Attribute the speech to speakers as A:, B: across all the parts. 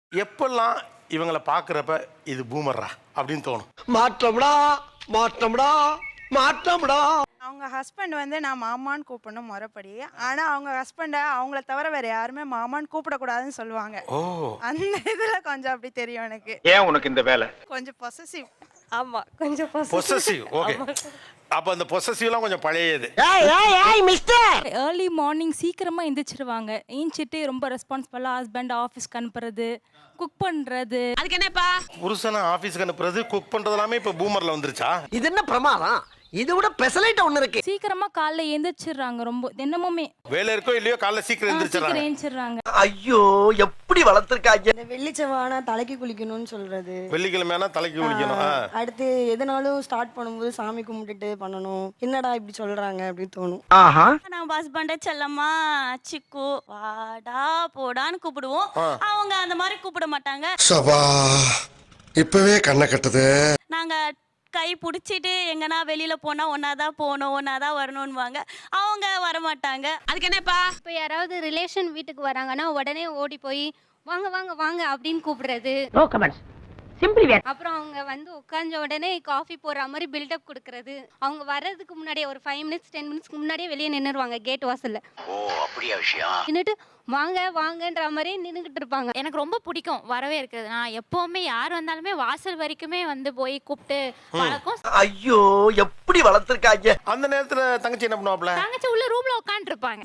A: எப்பெல்லாம் இவங்களை பார்க்குறப்ப இது பூமர்ரா அப்படின்னு தோணும்?
B: மாற்றம்டா மாற்றம்டா மாற்றம்டா.
C: அவங்க ஹஸ்பண்ட் வந்து நான் மாமான்னு கூப்பிடணும் முறைப்படி. ஆனா அவங்க ஹஸ்பண்டை அவங்கள தவிர வேற யாருமே மாமான்னு கூப்பிடக்கூடாதுன்னு சொல்லுவாங்க.
A: ஓ,
C: அந்த இதுல கொஞ்சம் அப்படி தெரியும் எனக்கு.
D: ஏன் உனக்கு இந்த வேலை?
C: கொஞ்சம் பொசசிவ்.
E: ஆமா கொஞ்சம்
A: பொசசிவ். ஓகே, அப்போ அந்த பொசசிவ்லாம் கொஞ்சம் பழையது.
F: ஏர்லி மார்னிங் சீக்கிரமாக எந்திரிச்சிருவாங்க. ஏஞ்சிட்டு ரொம்ப ரெஸ்பான்சிபிளாக ஹஸ்பண்ட் ஆஃபீஸ்க்கு அனுப்புறது, குக் பண்ணுறது.
E: அதுக்கு என்னப்பா
A: புருஷனை ஆஃபீஸ்க்கு அனுப்புறது, குக் பண்ணுறது எல்லாமே இப்போ பூமரில் வந்துருச்சா?
B: இது என்ன பிரமாதம்? இது விட பெசலைட் ஒண்ணு இருக்கு.
F: சீக்கிரமாக காலைல எந்திரிச்சிடுறாங்க. ரொம்ப தினமுமே
A: வேலை இருக்கோ இல்லையோ காலைல சீக்கிரம் எந்திரிச்சிடறாங்க.
F: ஏஞ்சிடுறாங்க.
B: ஐயோ எப்படி வளர்த்திருக்காங்க.
G: இந்த வெள்ளிச்சவானா தலைக்கு குளிக்கணும்னு சொல்றது.
A: வெள்ளிக்கிழமையானா தலைக்கு குளிக்கணும்.
G: அடுத்து எதனாலும் ஸ்டார்ட் பண்ணும்போது சாமி கும்பிட்டுட்டு பண்ணணும். என்னடா இப்படி சொல்றாங்க அப்படின்னு தோணும்.
B: ஆஹா.
E: நம்ம ஹஸ்பண்ட செல்லம்மா சிக்கு வாடா போடான்னு கூப்பிடுவோம். அவங்க அந்த மாதிரி கூப்பிட மாட்டாங்க.
H: சபா இப்பவே கண்ணை கட்டுது.
E: நாங்க கை பிடிச்சிட்டு எங்கன்னா வெளியில போனா ஒன்னாதான் போகணும் ஒன்னாதான் வரணும்னுவாங்க. அவங்க வரமாட்டாங்க. அதுக்கு என்னப்பா
I: இப்போ யாராவது ரிலேஷன் வீட்டுக்கு வராங்கன்னா உடனே ஓடி போய் வாங்க வாங்க வாங்க அப்படின்னு கூப்பிடுறது. அப்புறம் அவங்க வந்து உட்கார்ந்த உடனே காஃபி போடுற மாதிரி பில்டப் கொடுக்கறது. அவங்க வர்றதுக்கு முன்னாடியே ஒரு 5 மினிட்ஸ் 10 மினிட்ஸ்க்கு முன்னாடியே வெளியே நின்னுருவாங்க கேட் வாசல்ல.
D: ஓ அப்படியா விஷயம்?
I: நின்னுட்டு வாங்க வாங்கன்ற மாதிரி நின்னுகிட்டு இருப்பாங்க.
F: எனக்கு ரொம்ப பிடிக்கும் வரவே இருக்கிறது. நான் எப்போவுமே யார் வந்தாலுமே வாசல் வரைக்குமே வந்து போய் கூப்பிட்டு பழக்கம்.
B: ஐயோ எப்படி வளர்த்திருக்காங்க.
A: அந்த நேரத்தில் தங்கச்சி என்ன பண்ணுவாப்ல?
F: தங்கச்சி உள்ள ரூம்ல உட்காந்துருப்பாங்க.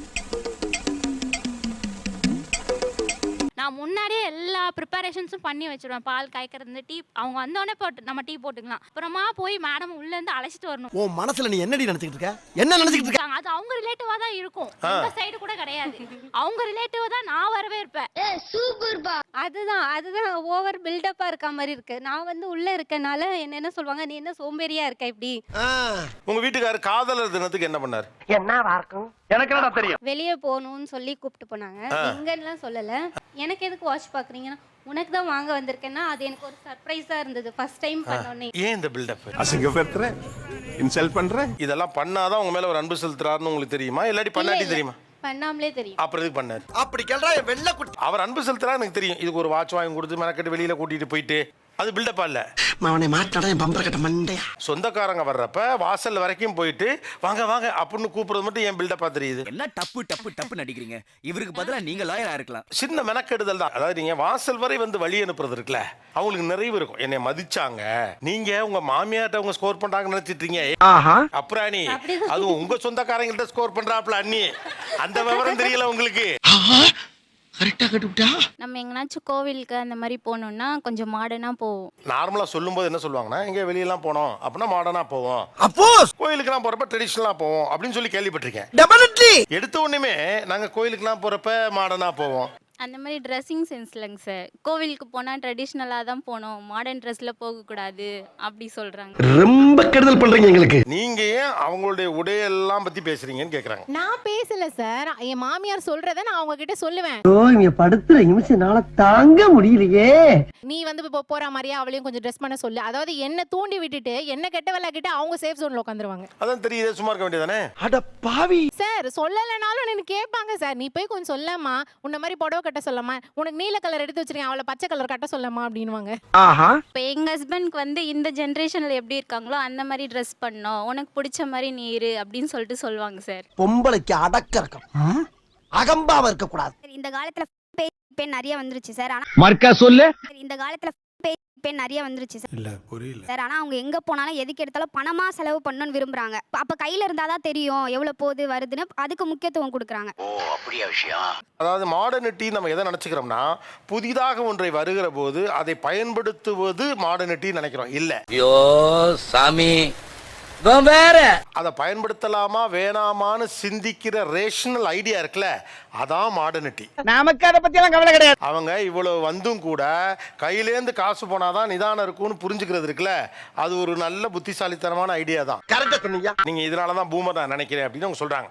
F: நான் முன்னாடியே எல்லா ப்ரிப்பரேஷன்ஸும் பண்ணி வச்சிருவேன். பால் காய்க்கிறது, டீ. அவங்க வந்தோடனே போட்டு நம்ம டீ போட்டுக்கலாம். அப்புறமா போய் மேடம் உள்ள இருந்து அழைச்சிட்டு வரணும்.
B: உன் மனசுல நீ என்னடி நினைச்சிட்டு இருக்க? என்ன நினைச்சிட்டு இருக்க?
F: அது அவங்க ரிலேட்டிவா தான் இருக்கும். இந்த சைடு கூட கிடையாது. அவங்க ரிலேட்டிவா தான் நான் வரவே இருப்பேன்.
I: அதுதான் அதுதான் ஓவர் பில்டப்பா இருக்க மாதிரி இருக்கு. நான் வந்து உள்ள இருக்கனால என்ன சொல்லுவாங்க, நீ என்ன சோம்பேறியா இருக்க இப்படி.
A: உங்க வீட்டுக்காரர் காதலர் தினத்துக்கு என்ன பண்ணாரு?
B: என்னவா இருக்கும்?
D: எனக்கு என்னடா தெரியும்?
I: வெளியே போகணும்னு சொல்லி கூப்பிட்டு போனாங்க. எங்கன்னுலாம் சொல்லல. எனக்கு எதுக்கு வாட்ச் பாக்குறீங்கன்னா உனக்கு தான் வாங்க வந்திருக்கேன்னா அது எனக்கு ஒரு சர்ப்ரைஸா இருந்தது. ஃபர்ஸ்ட் டைம் பண்ணோன்னே.
A: ஏன் இந்த பில்டப்?
H: அசிங்கப்படுத்துற, இன்சல்ட் பண்ற.
A: இதெல்லாம் பண்ணாதான் உங்க மேல ஒரு அன்பு செலுத்துறாருன்னு உங்களுக்கு தெரியுமா, இல்லாட்டி பண்ணாட்டி தெரியுமா?
I: பண்ணாமலே தெரியும்.
A: அப்புறம் எதுக்கு பண்ணாரு?
B: அப்படி கேள்றா வெள்ளை குட்டி.
A: அவர் அன்பு செலுத்துறா எனக்கு தெரியும். இதுக்கு ஒரு வாட்ச் வாங்கி கொடுத்து மெனக்கட்டு வெளியில கூட்டிட்டு போயிட்டு அது பில்டப்பா இல்ல.
B: அவனை மாட்டாடா என் பம்பர கட்ட மண்டையா.
A: சொந்தக்காரங்க வர்றப்ப வாசல் வரைக்கும் போயிட்டு வாங்க வாங்க அப்படின்னு கூப்பிடுறது மட்டும் ஏன் பில்டப்பா தெரியுது?
J: என்ன டப்பு டப்பு டப்பு நடிக்கிறீங்க? இவருக்கு பதிலா நீங்க லாயரா இருக்கலாம்.
A: சின்ன மெனக்கெடுதல் தான். அதாவது நீங்க வாசல் வரை வந்து வழி அனுப்புறது இருக்குல்ல, அவங்களுக்கு நிறைவு இருக்கும். என்னை மதிச்சாங்க, நீங்க உங்க மாமியார்ட்ட அவங்க ஸ்கோர் பண்றாங்கன்னு நினைச்சிட்டீங்க. அப்புறாணி அதுவும் உங்க சொந்தக்காரங்கள்ட்ட ஸ்கோர் பண்றாப்ல அண்ணி. அந்த விவரம் தெரியல உங்களுக்கு.
B: கரெக்டா கட்டுப்பிட்டா.
F: நம்ம எங்கனாச்சும் கோவிலுக்கு அந்த மாதிரி போகணும்னா கொஞ்சம் மாடர்னா போவோம்.
A: நார்மலா சொல்லும்போது என்ன சொல்லுவாங்கன்னா, எங்க வெளியெல்லாம் போனோம் அப்படின்னா மாடர்னா போவோம்.
B: அப்போ
A: கோயிலுக்குலாம் போறப்ப ட்ரெடிஷனலா போவோம் அப்படின்னு சொல்லி கேள்விப்பட்டிருக்கேன்.
B: டெபினெட்லி.
A: எடுத்த உடனே நாங்க கோயிலுக்குலாம் போறப்ப மாடர்னா போவோம்.
F: அந்த மாதிரி ட்ரெஸ்ஸிங் சென்ஸ் இல்லைங்க சார். கோவிலுக்கு போனால் ட்ரெடிஷ்னலாக தான் போகணும், மாடர்ன் ட்ரெஸ்ஸில் போகக்கூடாது அப்படி சொல்கிறாங்க.
B: ரொம்ப கெடுதல் பண்றீங்க எங்களுக்கு.
A: நீங்க ஏன் அவங்களுடைய உடையெல்லாம் பத்தி பேசுறீங்கன்னு கேக்குறாங்க.
E: நான் பேசல சார். என் மாமியார் சொல்றத நான் அவங்க கிட்ட சொல்லுவேன்.
B: ஓ இங்க படுத்துற நிமிஷம்னால தாங்க முடியலையே.
E: நீ வந்து இப்போ போற மாதிரியா அவளையும் கொஞ்சம் ட்ரெஸ் பண்ண சொல்லு. அதாவது என்ன தூண்டி விட்டுட்டு என்ன கெட்ட வேலை கிட்ட அவங்க சேஃப் ஜோன்ல உட்காந்துருவாங்க.
A: அதான் தெரியுது, சும்மா இருக்க வேண்டியதானே.
B: அட பாவி
E: சார் சொல்லலைனாலும் எனக்கு கேட்பாங்க. சார் நீ போய் கொஞ்சம் சொல்லமா, உன்ன மாதிரி புடவை கட்ட சொல்லமா, உனக்கு நீல கலர் எடுத்து வச்சிருக்கேன் அவளை பச்சை கலர் கட்ட சொல்லமா அப்படின்வாங்க.
B: ஆஹா.
F: இப்போ எங்கள் ஹஸ்பண்ட்க்கு வந்து இந்த ஜென்ரேஷனில் எப்படி இருக்காங்களோ அந்த மாதிரி ட்ரெஸ் பண்ணோம், உனக்கு பிடிச்ச மாதிரி நீ இரு அப்படின்னு சொல்லிட்டு சொல்லுவாங்க சார்.
B: பொம்பளைக்கு அடக்க இருக்கும், அகம்பாவ இருக்க கூடாது.
I: இந்த காலத்துல பெண் நிறைய வந்துருச்சு சார். ஆனா
D: மர்க்கா சொல்லு.
I: இந்த காலத்துல பெண் நிறைய வந்துருச்சு சார்.
H: இல்ல புரியல
I: சார் ஆனா அவங்க எங்க போனாலும் எதுக்கு எடுத்தாலும் பணமா செலவு பண்ணணும்னு விரும்புறாங்க. அப்ப கையில இருந்தாதான் தெரியும் எவ்வளவு போகுது வருதுன்னு, அதுக்கு முக்கியத்துவம் கொடுக்குறாங்க.
D: ஓ அப்படியா விஷயம்?
A: அதாவது மாடர்னிட்டி நம்ம எதை நினைச்சுக்கிறோம்னா, புதிதாக ஒன்றை வருகிற போது அதை பயன்படுத்துவது மாடர்னிட்டி நினைக்கிறோம். இல்ல,
J: ஐயோ சாமி வேற
A: அதை பயன்படுத்தலாமா வேணாமான்னு சிந்திக்கிற ரேஷனல் ஐடியா இருக்குல்ல, அதான் மாடர்னிட்டி.
D: நமக்கு அதை பத்தி எல்லாம் கவலை கிடையாது.
A: அவங்க இவ்வளவு வந்தும் கூட கையிலேந்து காசு போனாதான் நிதானம் இருக்கும்னு புரிஞ்சுக்கிறது இருக்குல்ல, அது ஒரு நல்ல புத்திசாலித்தனமான ஐடியா தான்.
B: கரெக்டா சொன்னீங்க.
A: நீங்க இதனாலதான் பூமர் நான் நினைக்கிறேன் அப்படின்னு அவங்க சொல்றாங்க.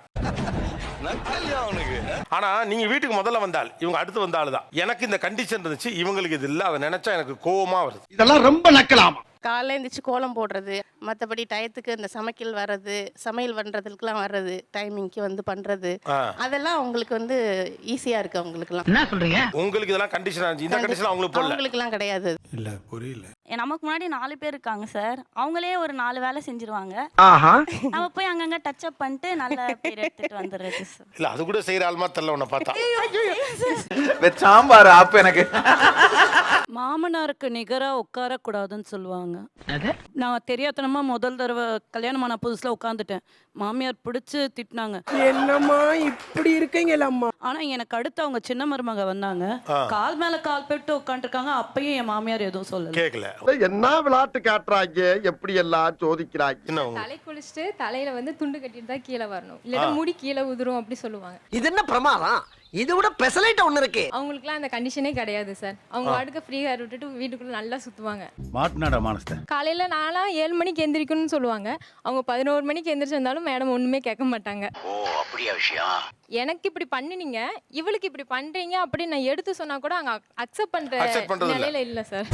A: ஆனா நீங்க வீட்டுக்கு முதல்ல வந்தால் இவங்க அடுத்து வந்தாலும் தான் எனக்கு இந்த கண்டிஷன் இருந்துச்சு, இவங்களுக்கு இது இல்ல, அதை நினைச்சா எனக்கு கோவமா வருது.
B: இதெல்லாம் ரொம்ப நக்கலாமா.
G: காலைல எழுந்திரிச்சு கோலம் போடுறது, மற்றபடி டயத்துக்கு இந்த சமையல் பண்ணுறதுக்குலாம் வர்றது, டைமிங்க்கு வந்து பண்ணுறது, அதெல்லாம் அவங்களுக்கு வந்து ஈஸியாக இருக்குது அவங்களுக்குலாம்.
D: என்ன சொல்றீங்க?
A: உங்களுக்கு இதெல்லாம் கண்டிஷன் இருந்துச்சு, இந்த கண்டிஷன் அவங்களுக்கு போடல.
G: அவங்களுக்குலாம் கிடையாது.
H: இல்ல புரியல.
I: நமக்கு முன்னாடி 4 பேர் இருக்காங்க சார். அவங்களே ஒரு 4 வேலை செஞ்சிருவாங்க. நம்ம போய் அங்கங்க டச் அப் பண்ணிட்டு நல்ல பேர் எடுத்துட்டு வந்துடுறது சார்.
A: இல்ல அது கூட செய்யற ஆள்மா தெரியல உன்னை பார்த்தா.
J: சாம்பார் ஆப்பு எனக்கு.
G: மாமனாருக்கு நிகரா உட்கார கூடாதுன்னு சொல்லுவாங்க. நான் தெரியாதனமா முதல் தடவை கல்யாணமான புதுசுல உட்காந்துட்டேன். மாமியார் பிடிச்சு திட்டினாங்க.
B: என்னம்மா இப்படி இருக்கீங்களா அம்மா?
G: ஆனா எனக்கு அடுத்து அவங்க சின்ன மருமக வந்தாங்க. கால் மேல கால் போட்டு உட்காந்துருக்காங்க. அப்பயும் என் மாமியார் எதுவும் சொல்லல.
A: கேக்கல.
B: என்ன விளையாட்டு காட்டுறாங்க, எப்படி எல்லாம் சோதிக்கிறாங்க.
A: என்ன உங்க
E: தலை குளிச்சுட்டு தலையில வந்து துண்டு கட்டிட்டு தான் கீழே வரணும், இல்லைன்னா முடி கீழே உதிரும் அப்படி சொல்லுவாங்க.
B: இது என்ன பிரமாதம்? இது விட பெசலைட் ஒண்ணு இருக்கு.
E: அவங்களுக்குலாம் அந்த கண்டிஷனே கிடையாது சார். அவங்க வாட்டுக்கு ஃப்ரீ ஹேர் விட்டுட்டு வீட்டுக்குள்ள நல்லா சுத்துவாங்க.
H: மாட்டுனாடா மானஸ்த.
E: காலையில நான்லாம் 7 மணிக்கு எந்திரிக்கணும்னு சொல்லுவாங்க. அவங்க 11 மணிக்கு எந்திரிச்சு வந்தாலும் மேடம் ஒண்ணுமே கேட்க மாட்டாங்க.
D: ஓ அப்படியா விஷயம்?
E: எனக்கு இப்படி பண்ணினீங்க, இவளுக்கு இப்படி பண்றீங்க அப்படின்னு நான் எடுத்து சொன்னா கூட அங்க அக்செப்ட்
A: Accept
E: பண்ற
A: பண்றது இல்ல.
E: நிலையில இல்ல சார்.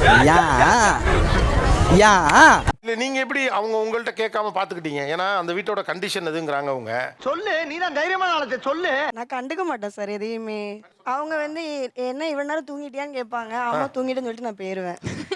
A: இல்ல நீங்க எப்படி அவங்க உங்கள்ட்ட கேட்காம பாத்துக்கிட்டீங்க? ஏன்னா அந்த வீட்டோட கண்டிஷன் எதுங்கறாங்க அவங்க.
B: சொல்லு, நீ தான் தைரியமான ஆளு, சொல்லு.
G: நான் கண்டுக்க மாட்டேன் சார் எதையுமே. அவங்க வந்து என்ன இவ்வளவு நேரம் தூங்கிட்டியான்னு கேட்பாங்க. ஆமா தூங்கிட்டேன்னு சொல்லிட்டு நான் போயிருவேன்.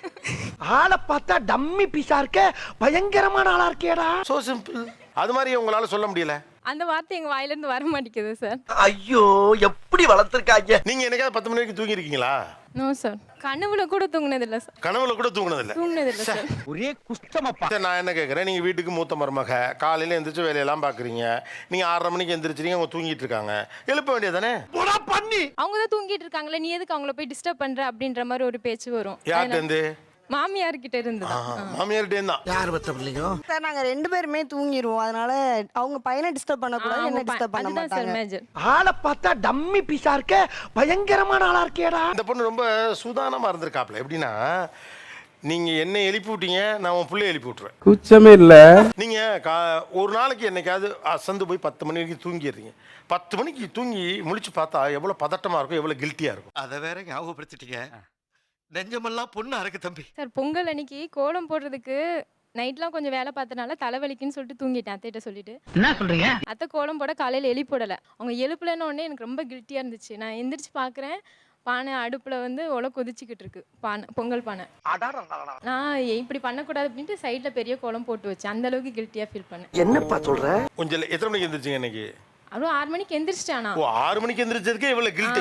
B: ஆளை பார்த்தா டம்மி பீஸா இருக்க, பயங்கரமான ஆளா இருக்கேடா.
A: So simple. அது மாதிரி உங்களால சொல்ல முடியல.
E: அந்த வார்த்தை எங்க வாயில இருந்து வர மாட்டேங்குது சார்.
B: ஐயோ, எப்படி வளர்த்திருக்காங்க.
A: நீங்க என்னைக்காவது 10 மணி வரைக்கும் தூங்கி இருக்கீங்களா?
E: No sir. கனவுல கூட தூங்குனது இல்ல சார்.
A: கனவுல கூட தூங்குனது இல்ல
E: சார்.
B: ஒரே குஷ்டமப்பா.
A: சரி, நான் என்ன கேட்குறேன், நீங்கள் வீட்டுக்கு மூத்த மருமக, காலையில் எந்திரிச்சு வேலையெல்லாம் பார்க்குறீங்க, நீங்கள் 6:30 மணிக்கு எந்திரிச்சிருங்க, அவங்க தூங்கிட்டு இருக்காங்க, எழுப்ப வேண்டியதானே?
B: பண்ணி
E: அவங்க தான் தூங்கிட்டு இருக்காங்களே, நீ எதுக்கு அவங்கள போய் டிஸ்டர்ப் பண்ற அப்படின்ற மாதிரி ஒரு பேச்சு வரும்.
A: யார்கிட்ட இருந்து?
E: மாமியார் கிட்ட இருந்து
A: மாமியார்கிட்ட தான்.
B: யார் பத்த பிள்ளையோ
G: சார் நாங்க 2 பேருமே தூங்கிடுவோம். அதனால அவங்க பையனை டிஸ்டர்ப் பண்ணக்கூடாது, என்ன டிஸ்டர்ப் பண்ண
E: அதுதான் சார்
G: மாட்டாங்க.
E: மேஜர்.
B: ஆளை பார்த்தா டம்மி பீஸா இருக்க, பயங்கரமான ஆளா இருக்கேடா.
A: இந்த பொண்ணு ரொம்ப சூதானமாக இருந்திருக்காப்ல. எப்படின்னா, நீங்கள் என்ன எழுப்பி விட்டீங்க, நான் உன் பிள்ளைய எழுப்பி விட்டுருவேன்.
H: குச்சமே இல்ல.
A: நீங்கள் ஒரு நாளைக்கு என்னைக்காவது அசந்து போய் 10 மணி வரைக்கும் தூங்கிடுறீங்க. 10 மணிக்கு தூங்கி முழிச்சு பார்த்தா எவ்வளோ பதட்டமாக இருக்கும், எவ்வளோ கில்ட்டியாக இருக்கும்.
B: அதை வேற ஞாபகப்படுத்திட்டீங்க. நெஞ்சமெல்லாம் பொண்ணு அறக்கு தம்பி.
E: சார் பொங்கல் அன்னைக்கு கோலம் போடுறதுக்கு நைட்லாம் கொஞ்சம் வேலை பார்த்தனால தலைவலிக்குன்னு சொல்லிட்டு தூங்கிட்டேன் அத்தைகிட்ட சொல்லிட்டு.
D: என்ன சொல்றீங்க?
E: அத்தை கோலம் போட காலையில் எழுப்பிடலை. அவங்க எழுப்பலன்னு உடனே எனக்கு ரொம்ப கில்ட்டியாக இருந்துச்சு. நான் எந்திரிச்சு பார்க்குறேன், பானை அடுப்பில் வந்து ஒலை கொதிச்சுக்கிட்டு இருக்கு, பானை பொங்கல் பானை. நான் இப்படி பண்ணக்கூடாது அப்படின்ட்டு சைடில் பெரிய கோலம் போட்டு வச்சேன். அந்த அளவுக்கு கில்ட்டியாக ஃபீல் பண்ணேன்.
B: என்னப்பா சொல்ற?
A: கொஞ்சம் எத்தனை மணிக்கு எந்திரிச்சிங்க இன்னைக்கு?
E: அவ்வளோ 6 மணிக்கு எந்திரிச்சிட்டானா?
A: ஓ, 6 மணிக்கு எந்திரிச்சதுக்கே இவ்வளோ கில்ட்டி.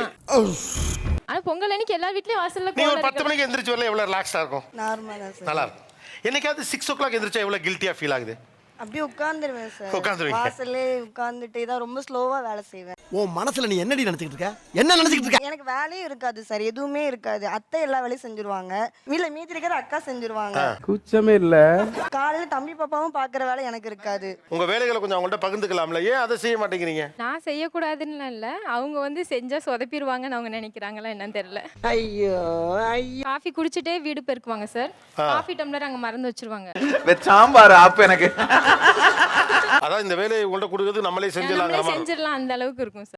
E: ஆனால் பொங்கல் அன்னைக்கு எல்லா வீட்லேயும் வாசலில்
A: நீங்கள்
E: கோலம்
A: ஒரு 10 மணிக்கு எந்திரிச்சு வரல எவ்வளோ ரிலாக்ஸாக இருக்கும்,
G: நார்மலா சார்.
A: நல்லா இருக்கும். என்னைக்காவது 6 o'clock எந்திரிச்சா எவ்வளோ கில்ட்டியாக ஃபீல் ஆகுது?
G: அப்படியே உட்கார்ந்துருவேன் சார்.
A: உட்காந்துருவீங்க.
G: வாசல்லே உட்கார்ந்துட்டே தான் ரொம்ப ஸ்லோவா வேலை செய்வேன்.
B: உன் மனசுல நீ என்னடி நினைச்சிட்டு இருக்க? என்ன நினைச்சிட்டு இருக்க?
G: எனக்கு வேலையும் இருக்காது சார், எதுவுமே இருக்காது. அத்தை எல்லா வேலையும் செஞ்சுருவாங்க. வீட்ல மீதி இருக்கிற அக்கா செஞ்சுருவாங்க.
H: குச்சமே இல்ல.
G: காலையில தம்பி பாப்பாவும் பாக்குற வேலை எனக்கு இருக்காது.
A: உங்கள் வேலைகளை கொஞ்சம் அவங்கள்ட்ட பகிர்ந்துக்கலாம்ல, ஏன் அதை செய்ய மாட்டேங்கிறீங்க?
E: நான் செய்யக்கூடாதுன்னு இல்லை, அவங்க வந்து செஞ்சா சொதப்பிடுவாங்கன்னு அவங்க நினைக்கிறாங்களா என்னன்னு தெரியல.
B: ஐயோ ஐயோ.
E: காஃபி குடிச்சிட்டே வீடு பெருக்குவாங்க சார். காஃபி டம்ளர் அங்கே மறந்து வச்சிருவாங்க.
J: சாம்பார் ஆப்பு எனக்கு.
A: அதான் இந்த வேலையை உங்கள்ட்ட கொடுக்கறது நம்மளே செஞ்சிடலாம்.
E: செஞ்சிடலாம் அந்த அளவுக்கு இருக்கும் சார்.